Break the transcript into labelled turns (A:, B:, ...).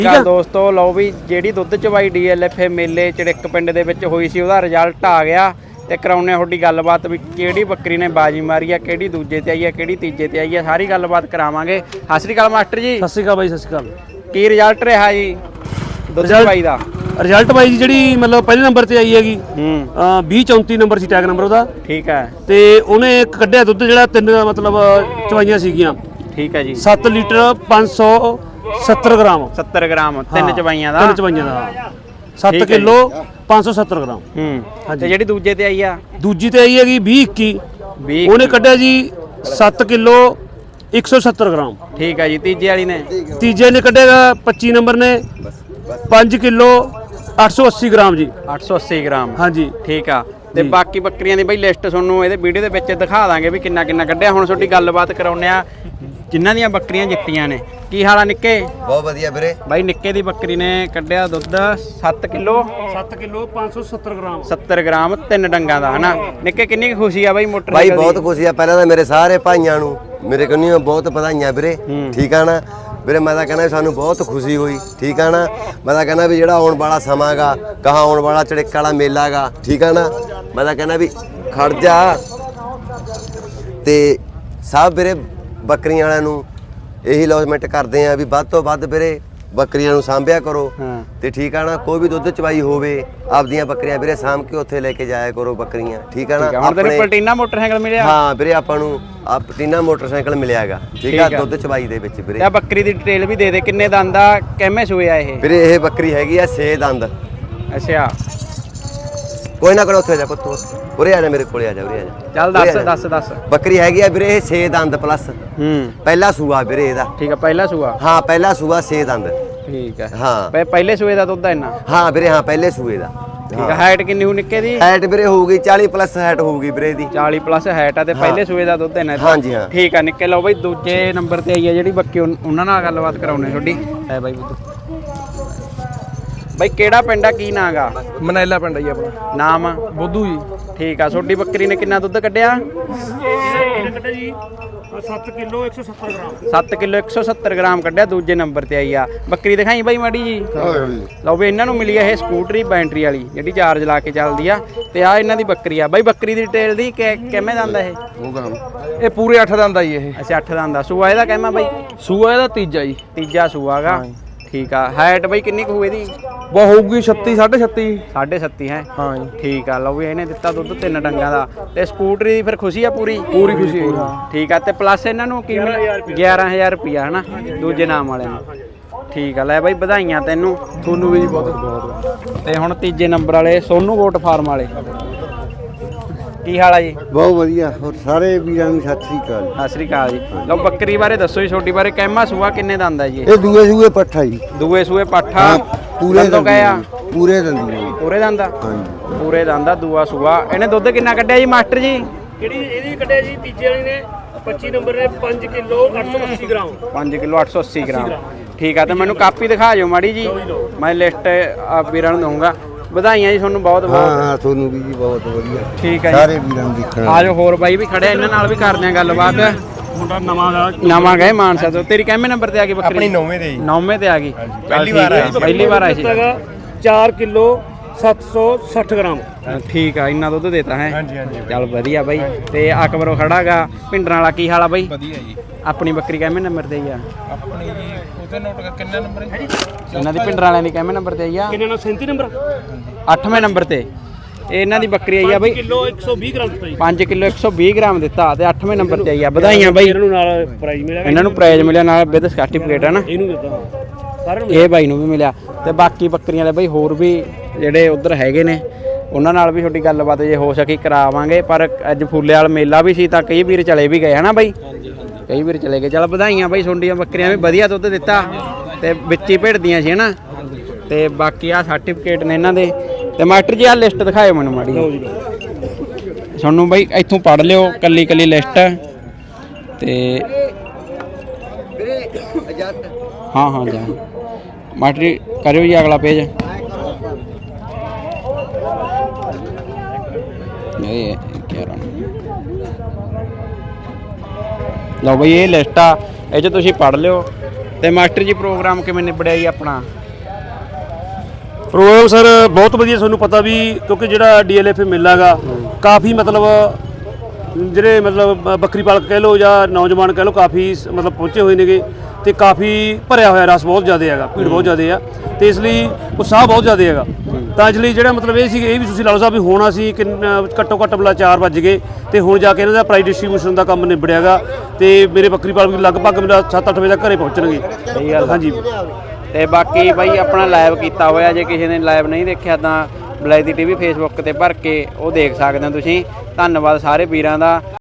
A: ਠੀਕ ਆ ਦੋਸਤੋ, ਲਓ ਵੀ ਜਿਹੜੀ ਦੁੱਧ ਚਵਾਈ DLFA ਮੇਲੇ ਚੜਿੱਕ ਪਿੰਡ ਦੇ ਵਿੱਚ ਹੋਈ ਸੀ ਉਹਦਾ ਰਿਜ਼ਲਟ ਆ ਗਿਆ ਤੇ ਕਰਾਉਣੇ ਤੁਹਾਡੀ ਗੱਲਬਾਤ ਵੀ ਕਿਹੜੀ ਬੱਕਰੀ ਨੇ ਬਾਜੀ ਮਾਰੀ ਆ, ਕਿਹੜੀ ਦੂਜੇ ਤੇ ਆਈ ਆ, ਕਿਹੜੀ ਤੀਜੇ ਤੇ ਆਈ ਆ, ਸਾਰੀ ਗੱਲਬਾਤ ਕਰਾਵਾਂਗੇ। ਸਤਿ ਸ਼੍ਰੀ ਅਕਾਲ ਮਾਸਟਰ ਜੀ।
B: ਸਤਿ ਸ਼੍ਰੀ ਅਕਾਲ ਬਾਈ, ਸਤਿ ਸ਼੍ਰੀ ਅਕਾਲ।
A: ਕੀ ਰਿਜ਼ਲਟ ਰਿਹਾ ਜੀ ਦੁੱਧ ਚਵਾਈ ਦਾ?
B: ਰਿਜ਼ਲਟ ਬਾਈ ਜੀ ਜਿਹੜੀ ਮਤਲਬ ਪਹਿਲੇ ਨੰਬਰ ਤੇ ਆਈ ਹੈਗੀ 2034 ਨੰਬਰ ਸੀ ਟੈਗ ਨੰਬਰ ਉਹਦਾ।
A: ਠੀਕ ਹੈ।
B: ਤੇ ਉਹਨੇ ਕੱਢਿਆ ਦੁੱਧ ਜਿਹੜਾ ਤਿੰਨ ਮਤਲਬ ਚਵਾਈਆਂ ਸੀਗੀਆਂ।
A: ਠੀਕ ਹੈ ਜੀ।
B: 7 ਲੀਟਰ 570 ਗ੍ਰਾਮ
A: 70 ਗ੍ਰਾਮ ਤਿੰਨ ਚਵਾਈਆਂ ਦਾ।
B: ਤਿੰਨ ਚਵਾਈਆਂ ਦਾ 7 ਕਿਲੋ 570 ਗ੍ਰਾਮ।
A: ਤੇ ਜਿਹੜੀ ਦੂਜੇ ਤੇ ਆਈ ਆ?
B: ਦੂਜੀ ਤੇ ਆਈ ਹੈਗੀ 2021 ਉਹਨੇ ਕੱਢਿਆ ਜੀ 7 ਕਿਲੋ 170 ਗ੍ਰਾਮ।
A: ਠੀਕ ਹੈ ਜੀ। ਤੀਜੇ ਵਾਲੀ ਨੇ?
B: ਤੀਜੇ ਨੇ ਕੱਢਿਆ 25 ਨੰਬਰ ਨੇ 5 ਕਿਲੋ 880 ਗ੍ਰਾਮ ਜੀ।
A: 880 ਗ੍ਰਾਮ।
B: ਹਾਂਜੀ
A: ਠੀਕ ਆ। ਤੇ ਬਾਕੀ ਬੱਕਰੀਆਂ ਦੀ ਬਈ ਲਿਸਟ ਤੁਹਾਨੂੰ ਇਹਦੇ ਵੀਡੀਓ ਦੇ ਵਿੱਚ ਦਿਖਾ ਦਾਂਗੇ ਵੀ ਕਿੰਨਾ ਕਿੰਨਾ ਕੱਢਿਆ। ਹੁਣ ਤੁਹਾਡੀ ਗੱਲਬਾਤ ਕਰਾਉਂਦੇ ਆ ਜਿਨ੍ਹਾਂ ਦੀਆਂ ਬੱਕਰੀਆਂ ਜਿੱਤੀਆਂ ਨੇ। ਕੀ ਹਾਲ ਆ ਨਿੱਕੇ?
C: ਬਹੁਤ ਵਧੀਆ ਵੀਰੇ।
A: ਬਾਈ ਨਿੱਕੇ ਦੀ ਬੱਕਰੀ ਨੇ ਕੱਢਿਆ ਦੁੱਧ 7 ਕਿਲੋ
B: 570 ਗ੍ਰਾਮ
A: 70 ਗ੍ਰਾਮ ਤਿੰਨ ਡੰਗਾਂ ਦਾ ਹਨਾ। ਨਿੱਕੇ ਕਿੰਨੀ ਖੁਸ਼ੀ ਆ ਬਾਈ ਮੋਟਰ
C: ਬਾਈ? ਬਹੁਤ ਖੁਸ਼ੀ ਆ। ਪਹਿਲਾਂ ਤਾਂ ਮੇਰੇ ਸਾਰੇ ਭਾਈਆਂ ਨੂੰ ਮੇਰੇ ਕੋਲੋਂ ਬਹੁਤ ਵਧਾਈਆਂ ਵੀਰੇ। ਠੀਕ ਆ ਨਾ ਵੀਰੇ, ਮੈਂ ਤਾਂ ਕਹਿੰਦਾ ਸਾਨੂੰ ਬਹੁਤ ਖੁਸ਼ੀ ਹੋਈ। ਠੀਕ ਆ ਨਾ, ਮੈਂ ਤਾਂ ਕਹਿੰਦਾ ਵੀ ਜਿਹੜਾ ਆਉਣ ਵਾਲਾ ਸਮਾਂ ਗਾ, ਕਹਾਂ ਆਉਣ ਵਾਲਾ ਚੜਿੱਕ ਵਾਲਾ ਮੇਲਾ ਗਾ, ਠੀਕ ਆ ਨਾ, ਮੈਂ ਤਾਂ ਕਹਿੰਦਾ ਵੀ ਖੜ ਜਾ। ਤੇ ਸਭ ਵੀਰੇ ਬੱਕਰੀਆਂ ਵਾਲਿਆਂ ਨੂੰ ਇਹੀ ਅਨਾਉਂਸਮੈਂਟ ਕਰਦੇ ਆ ਵੀ ਵੱਧ ਤੋਂ ਵੱਧ ਵੀਰੇ ਬੱਕਰੀਆਂ ਨੂੰ ਸਾਂਭਿਆ ਕਰੋ। ਤੇ ਠੀਕ ਆ ਨਾ, ਕੋਈ ਵੀ ਦੁੱਧ ਚਵਾਈ ਹੋਵੇ ਆਪਦੀਆਂ ਬੱਕਰੀਆਂ ਵੀਰੇ ਸਾਂਭ ਕੇ ਉੱਥੇ ਲੈ ਕੇ ਜਾਇਆ ਕਰੋ ਬੱਕਰੀਆਂ। ਠੀਕ ਆ ਨਾ।
A: ਹੁਣ ਤੈਨੂੰ ਪਲਟੀਨਾ ਮੋਟਰਸਾਈਕਲ ਮਿਲਿਆ?
C: ਹਾਂ ਵੀਰੇ, ਆਪਾਂ ਨੂੰ ਪਲਟੀਨਾ ਮੋਟਰਸਾਈਕਲ ਮਿਲਿਆਗਾ। ਠੀਕ ਆ, ਦੁੱਧ ਚਵਾਈ ਦੇ ਵਿੱਚ ਵੀਰੇ।
A: ਤੇ ਬੱਕਰੀ ਦੀ ਡਿਟੇਲ ਵੀ ਦੇ ਦੇ, ਕਿੰਨੇ ਦੰਦ ਆ, ਕਿਵੇਂ ਸੂਏ ਆ ਇਹ?
C: ਵੀਰੇ ਇਹ ਬੱਕਰੀ ਹੈਗੀ ਆ 6 ਦੰਦ।
A: ਅੱਛਾ।
C: ਕੋਈ ਨਾ ਕਰੋ, ਉੱਥੇ ਜਾ ਪੁੱਤ, ਉਰੇ ਆ ਜਾ, ਮੇਰੇ ਕੋਲੇ ਆ ਜਾ, ਉਰੇ ਆ ਜਾ।
A: ਚੱਲ ਦੱਸ।
C: ਬੱਕਰੀ ਹੈਗੀ ਆ ਵੀਰੇ ਇਹ 6 ਦੰਦ ਪਲੱਸ। ਪਹਿਲਾ ਸੂਆ ਵੀਰੇ ਇਹਦਾ।
A: ਠੀਕ ਆ, ਪਹਿਲਾ ਸੂਆ?
C: ਹਾਂ ਪਹਿਲਾ ਸੂਆ 6 ਦੰਦ।
A: ਠੀਕ ਹੈ।
C: ਹਾਂ
A: ਪਹਿਲੇ ਸੂਏ ਦਾ ਦੁੱਧ ਇੰਨਾ?
C: ਹਾਂ ਵੀਰੇ, ਹਾਂ ਪਹਿਲੇ ਸੂਏ ਦਾ।
A: ਠੀਕ ਹੈ। ਹਾਈਟ ਕਿੰਨੀ ਹੋ ਨਿੱਕੇ ਦੀ?
C: ਹਾਈਟ ਵੀਰੇ ਹੋਊਗੀ 40 ਪਲੱਸ ਹਾਈਟ ਹੋਊਗੀ ਵੀਰੇ ਦੀ।
A: 40 ਪਲੱਸ ਹਾਈਟ ਆ ਤੇ ਪਹਿਲੇ ਸੂਏ ਦਾ ਦੁੱਧ ਇੰਨਾ?
C: ਹਾਂਜੀ ਹਾਂ।
A: ਠੀਕ ਆ ਨਿੱਕੇ। ਲਓ ਬਈ ਦੂਜੇ ਨੰਬਰ ਤੇ ਆਈ ਆ ਜਿਹੜੀ ਬੱਕੀ, ਉਹਨਾਂ ਨਾਲ ਗੱਲਬਾਤ ਕਰਾਉਣੇ ਤੁਹਾਡੀ। ਹੈ ਬਾਈ ਬੁੱਧੂ ਬਾਈ, ਕਿਹੜਾ ਪਿੰਡ ਆ, ਕੀ ਨਾਂ ਗਾ?
D: ਮਨੈਲਾ ਪਿੰਡ ਹੈ ਜੀ ਆਪਣਾ।
A: ਨਾਮ?
D: ਬੁੱਧੂ ਜੀ।
A: ਠੀਕ ਆ। ਤੁਹਾਡੀ ਬੱਕਰੀ ਨੇ ਕਿੰਨਾ ਦੁੱਧ ਕੱਢਿਆ?
B: ਕੱਢਿਆ ਜੀ 7 ਕਿਲੋ 170 ਗ੍ਰਾਮ
A: 7 ਕਿਲੋ 170 ਗ੍ਰਾਮ ਕੱਢਿਆ। ਦੂਜੇ ਨੰਬਰ ਤੇ ਆਈ ਆ ਬੱਕਰੀ। ਦਿਖਾਈ ਬਾਈ ਮਾੜੀ ਜੀ। ਲਓ ਵੀ ਇਹਨਾਂ ਨੂੰ ਮਿਲੀ ਆ ਇਹ ਸਕੂਟਰੀ ਬੈਟਰੀ ਵਾਲੀ ਜਿਹੜੀ ਚਾਰਜ ਲਾ ਕੇ ਚੱਲਦੀ ਆ। ਤੇ ਆ ਇਹਨਾਂ ਦੀ ਬੱਕਰੀ ਆ ਬਾਈ। ਬੱਕਰੀ ਦੀ ਡਿਟੇਲ ਦੀ ਕਿਵੇਂ ਦੰਦ ਇਹ?
D: ਇਹ ਪੂਰੇ 8 ਦੰਦ ਆ ਜੀ ਇਹ।
A: ਅੱਛਾ 8 ਦੰਦ ਦਾ ਸੂਆ ਇਹਦਾ ਕਹਿਮਾ ਬਾਈ?
D: ਸੂਆ ਇਹਦਾ ਤੀਜਾ ਜੀ।
A: ਤੀਜਾ ਸੂਆ ਗਾ। ਠੀਕ ਆ। ਹਾਈਟ ਬਾਈ ਕਿੰਨੀ ਕੁ ਹੋਊ ਇਹਦੀ?
D: ਬਹੁਤ ਹੋਊਗੀ 36 37
A: 37.5 ਹੈ।
D: ਹਾਂ ਜੀ।
A: ਠੀਕ ਆ। ਲਓ ਵੀ ਇਹਨੇ ਦਿੱਤਾ ਦੁੱਧ ਤਿੰਨ ਡੰਗਾਂ ਦਾ। ਤੇ ਸਕੂਟਰੀ ਦੀ ਫਿਰ ਖੁਸ਼ੀ ਆ ਪੂਰੀ?
D: ਪੂਰੀ ਖੁਸ਼ੀ ਹੈ। ਹਾਂ
A: ਠੀਕ ਆ। ਤੇ ਪਲੱਸ ਇਹਨਾਂ ਨੂੰ ਕੀ 11,000 ਰੁਪਿਆ ਹਨਾ ਦੂਜੇ ਨਾਮ ਵਾਲਿਆਂ ਨੂੰ। ਠੀਕ ਆ। ਲੈ ਬਾਈ ਵਧਾਈਆਂ ਤੈਨੂੰ।
D: ਤੁਹਾਨੂੰ ਵੀ ਜੀ ਬਹੁਤ।
A: ਤੇ ਹੁਣ ਤੀਜੇ ਨੰਬਰ ਵਾਲੇ ਸੋਨੂ ਗੋਟ ਫਾਰਮ ਵਾਲੇ, ਕੀ ਹਾਲ ਆ ਜੀ?
E: ਬਹੁਤ ਵਧੀਆ। ਹੋਰ ਸਾਰੇ ਵੀਰਾਂ ਨੂੰ ਸਤਿ ਸ੍ਰੀ ਅਕਾਲ।
A: ਸਤਿ ਸ੍ਰੀ ਅਕਾਲ ਜੀ। ਲਓ ਬੱਕਰੀ ਬਾਰੇ ਦੱਸੋ ਜੀ, ਛੋਟੀ ਬਾਰੇ। ਕਹਿਮਾ ਸੂਆ ਕਿੰਨੇ ਦੰਦ ਆ ਜੀ?
E: ਇਹ ਦੂਏ ਸੂਏ ਪੱਠਾ ਜੀ।
A: ਦੂਏ ਸੂਏ ਪਾਠਾ?
E: ਪੂਰੇ
A: ਦੰਦੋਂ ਗਏ ਆ?
E: ਪੂਰੇ ਦੰਦੀ।
A: ਪੂਰੇ ਦੰਦ ਆ?
E: ਹਾਂਜੀ
A: ਪੂਰੇ ਦੰਦ ਆ। ਦੂਆ ਸੂਆ। ਇਹਨੇ ਦੁੱਧ ਕਿੰਨਾ ਕੱਢਿਆ ਜੀ ਮਾਸਟਰ ਜੀ?
B: ਕਿਹੜੀ ਇਹਦੀ ਕੱਢਿਆ ਜੀ ਤੀਜੇ ਵਾਲੀ ਨੇ 25 ਨੰਬਰ ਨੇ 5 ਕਿਲੋ 880 ਗ੍ਰਾਮ
A: 5 ਕਿਲੋ 880 ਗ੍ਰਾਮ। ਠੀਕ ਆ। ਤੇ ਮੈਨੂੰ ਕਾਪੀ ਦਿਖਾ ਜਿਓ ਮਾੜੀ ਜੀ, ਮੈਂ ਲਿਸਟ ਵੀਰਾਂ ਨੂੰ ਦਊਂਗਾ। ਵਧਾਈਆਂ ਜੀ ਤੁਹਾਨੂੰ ਬਹੁਤ ਬਹੁਤ।
E: ਹਾਂ ਤੁਹਾਨੂੰ ਵੀ ਜੀ ਬਹੁਤ ਵਧੀਆ।
A: ਠੀਕ ਹੈ ਜੀ।
E: ਸਾਰੇ ਵੀਰਾਂ ਨੂੰ ਦੇਖਣ
A: ਆਜੋ ਹੋਰ ਬਾਈ ਵੀ ਖੜਿਆ, ਇਹਨਾਂ ਨਾਲ ਵੀ ਕਰਦੇ ਆ ਗੱਲਬਾਤ।
B: ਮੁੰਡਾ
A: ਨਵਾਂ ਗਏ ਮਾਨਸਾ ਤੋਂ। ਤੇਰੀ ਕਿੰਨੇ ਨੰਬਰ ਤੇ ਆ ਗਈ ਬੱਕਰੀ?
D: ਆਪਣੀ 9ਵੇਂ ਤੇ ਜੀ।
A: 9ਵੇਂ ਤੇ ਆ ਗਈ।
D: ਪਹਿਲੀ ਵਾਰ ਆਈ ਸੀ।
A: ਪਹਿਲੀ ਵਾਰ ਆਈ ਸੀ।
B: 4 ਕਿਲੋ 760 ਗ੍ਰਾਮ।
A: ਠੀਕ ਆ। ਇੰਨਾ ਦੁੱਧ ਦੇਤਾ ਹੈ।
D: ਹਾਂਜੀ ਹਾਂਜੀ।
A: ਚੱਲ ਵਧੀਆ ਬਾਈ। ਤੇ ਅਕਬਰੋਂ ਖੜਾਗਾ ਪਿੰਡਰਾਂ ਵਾਲਾ। ਕੀ ਹਾਲ ਆ ਬਾਈ?
D: ਵਧੀਆ ਜੀ।
A: ਆਪਣੀ ਬੱਕਰੀ ਕਿੰਨੇ ਨੰਬਰ ਤੇ ਆਈ ਆ?
D: ਆਪਣੀ ਜੀ ਉਹਦੇ ਨੋਟ ਕਿੰਨਾ ਨੰਬਰ ਹੈ?
A: ਇਹਨਾਂ ਦੀ ਪਿੰਡਰਾਂ ਵਾਲਿਆਂ ਦੀ ਕਿੰਨੇ ਨੰਬਰ ਤੇ ਆਈ ਆ?
B: ਕਿੰਨੇ ਨਾਲ 37 ਨੰਬਰ
A: 8ਵੇਂ ਨੰਬਰ ਤੇ ਇਹ ਇਹਨਾਂ ਦੀ ਬੱਕਰੀ ਆਈ ਆ ਬਾਈ।
B: 5 ਕਿਲੋ 120 ਗ੍ਰਾਮ ਦਿੱਤਾ ਜੀ।
A: 5 ਕਿਲੋ 120 ਗ੍ਰਾਮ ਦਿੱਤਾ ਤੇ 8ਵੇਂ ਨੰਬਰ ਤੇ ਆਈ ਆ। ਵਧਾਈਆਂ ਬਾਈ।
B: ਇਹਨਾਂ ਨੂੰ ਨਾਲ ਪ੍ਰਾਈਜ਼ ਮਿਲਿਆ।
A: ਇਹਨਾਂ ਨੂੰ ਪ੍ਰਾਈਜ਼ ਮਿਲਿਆ ਨਾਲ ਵਿਦ ਸਰਟੀਫਿਕੇਟ ਹੈ ਨਾ।
B: ਇਹਨੂੰ ਦਿੱਤਾ ਸਾਰਿਆਂ ਨੂੰ।
A: ਇਹ ਬਾਈ ਨੂੰ ਵੀ ਮਿਲਿਆ। ਤੇ ਬਾਕੀ ਬੱਕਰੀਆਂ ਵਾਲੇ ਬਾਈ ਹੋਰ ਵੀ ਜਿਹੜੇ ਉਧਰ ਹੈਗੇ ਨੇ ਉਹਨਾਂ ਨਾਲ ਵੀ ਤੁਹਾਡੀ ਗੱਲਬਾਤ ਜੇ ਹੋ ਸਕੀ ਕਰਾਵਾਂਗੇ। ਪਰ ਅੱਜ ਫੁੱਲੇ ਵਾਲਾ ਮੇਲਾ ਵੀ ਸੀ ਤਾਂ ਕਈ ਵੀਰ ਚਲੇ ਵੀ ਗਏ ਹਨਾ ਬਾਈ। ਕਈ ਵੀਰ ਚਲੇ ਗਏ। ਚਲ ਵਧਾਈਆਂ ਬਾਈ। ਤੁਹਾਡੀਆਂ ਬੱਕਰੀਆਂ ਵੀ ਵਧੀਆ ਦੁੱਧ ਦਿੱਤਾ ਤੇ ਵਿੱਚ ਹੀ ਭਿੜਦੀਆਂ ਸੀ ਹਨਾ। ਤੇ ਬਾਕੀ ਆ ਸਰਟੀਫਿਕੇਟ ਨੇ ਇਹਨਾਂ ਦੇ। ਤੇ ਮਾਸਟਰ ਜੀ ਆ ਲਿਸਟ ਦਿਖਾਇਓ ਮੈਨੂੰ ਮਾੜੀ। ਤੁਹਾਨੂੰ ਬਾਈ ਇੱਥੋਂ ਪੜ੍ਹ ਲਿਓ ਕੱਲੀ ਕੱਲੀ ਲਿਸਟ। ਤੇ ਹਾਂ ਜਾ ਮਾਸਟਰ ਜੀ ਕਰਿਓ ਜੀ ਅਗਲਾ ਪੇਜ। ਇਹ ਲਓ ਬਈ ਇਹ ਲਿਸਟ ਆ, ਇਹ 'ਚ ਤੁਸੀਂ ਪੜ੍ਹ ਲਿਓ ਤੇ ਮਾਸਟਰ ਜੀ ਪ੍ਰੋਗਰਾਮ ਕਿਵੇਂ ਨਿਬੜਿਆ ਜੀ ਆਪਣਾ?
B: ਪ੍ਰੋਗਰਾਮ ਸਰ ਬਹੁਤ ਵਧੀਆ। ਤੁਹਾਨੂੰ ਪਤਾ ਵੀ ਕਿਉਂਕਿ ਜਿਹੜਾ DLF ਮੇਲਾ ਗਾ ਕਾਫੀ ਮਤਲਬ ਜਿਹੜੇ ਮਤਲਬ ਬੱਕਰੀ ਪਾਲਕ ਕਹਿ ਲਓ ਜਾਂ ਨੌਜਵਾਨ ਕਹਿ ਲਓ ਕਾਫੀ ਮਤਲਬ ਪਹੁੰਚੇ ਹੋਏ ਨੇਗੇ ਤੇ ਕਾਫੀ ਭਰਿਆ ਹੋਇਆ ਰਸ ਬਹੁਤ ਜ਼ਿਆਦਾ ਹੈਗਾ, ਭੀੜ ਬਹੁਤ ਜ਼ਿਆਦਾ ਆ ਤੇ ਇਸ ਲਈ ਉਤਸ਼ਾਹ ਬਹੁਤ ਜ਼ਿਆਦਾ ਹੈਗਾ। ਤਾਂ ਇਸ ਲਈ ਜਿਹੜਾ ਮਤਲਬ ਇਹ ਸੀ ਇਹ ਵੀ ਤੁਸੀਂ ਲਾ ਲਓ ਸਾਹਿਬ ਵੀ ਹੁਣ ਅਸੀਂ ਘੱਟੋ ਘੱਟ ਬਲਾ 4 ਵੱਜ ਗਏ ਤੇ ਹੁਣ ਜਾ ਕੇ ਇਹਨਾਂ ਦਾ ਪ੍ਰਾਈਜ਼ ਡਿਸਟ੍ਰੀਬਿਊਸ਼ਨ ਦਾ ਕੰਮ ਨਿਬੜਿਆਗਾ ਤੇ ਮੇਰੇ ਬੱਕਰੀ ਪਾਲਕ ਲਗਭਗ ਮੇਰਾ 7-8 ਵਜੇ ਤੱਕ ਘਰੇ ਪਹੁੰਚਣਗੇ।
A: ਸਹੀ ਗੱਲ
B: ਹਾਂਜੀ।
A: ਤੇ ਬਾਕੀ ਬਾਈ ਆਪਣਾ ਲਾਈਵ ਕੀਤਾ ਹੋਇਆ, ਜੇ ਕਿਸੇ ਨੇ ਲਾਈਵ ਨਹੀਂ ਦੇਖਿਆ ਤਾਂ ਬਲੈਤੀ TV ਫੇਸਬੁੱਕ ਤੇ ਭਰ ਕੇ ਉਹ ਦੇਖ ਸਕਦੇ ਹੋ ਤੁਸੀਂ। ਧੰਨਵਾਦ ਸਾਰੇ ਵੀਰਾਂ ਦਾ।